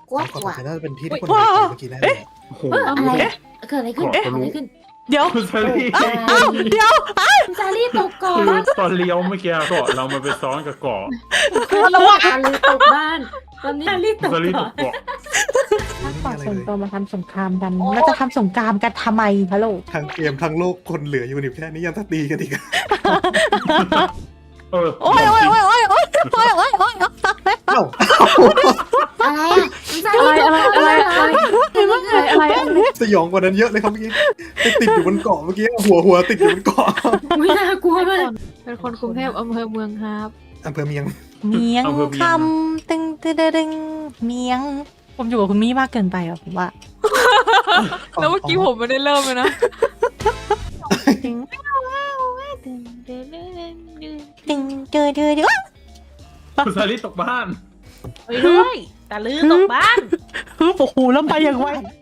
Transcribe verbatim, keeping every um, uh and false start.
กลัวก่กลัวอนน่าจะเป็นที่ที่คนไปเมื่อกี้แน่เลยโอ้โหเฮ้ยอะไรอะเกิดอะไรขึ้นเกิดอะไรขึ้นเดี๋ยวคุณซารี่อ้าวเดี๋ยวคุณซารี่ตกก่อคือน ตอนเลี้ยวเมื่อกี้เกาะเรามันไปซ้อนกับเกาะคือซารี่ตกบ้านตอนนี้ซารี่ตกซารี่ตก่อก นเกาะถ้าก่อนส่วนตัวมาทำสงครามกันเราจะทำสงครามกันทำไมฮัลโหลทั้งเกมทั้งโลกคนเหลืออยู่นี่แค่นี้ยังจะตีกันอีกเออโอ้ยโอ้ยโอ้ยโอ้ยโอ้ยโอ้ยโอ้ยโอ้ยเอ้าอะไรอ่ะคุณซารี่ตกก่อนอะไรอะไรอะไรอะไรสยองกว่านั้นเยอะเลยครับเมื่อกี้ไปติดอยู่บนเกาะเมื่อกี้หัวหัวติดอยู่บนเกาะอุ้ยน่ากลัวมากเป็นคนกรุงเทพอำเภอเมืองครับอำเภอเมียงเมียงคำตึงตึงตึงเมียง ผมอยู่กับคุณมี่มากเกินไปอ่ะผมว่าแล้วเมื่อกี้ผมไม่ได้เริ่มเลยนะตึงตึงเจอเจอเจอคุณซารี่ตกบ้านไปด้วยตะลือตกบ้านฮึบโอ้โหแล้วไปอย่างไว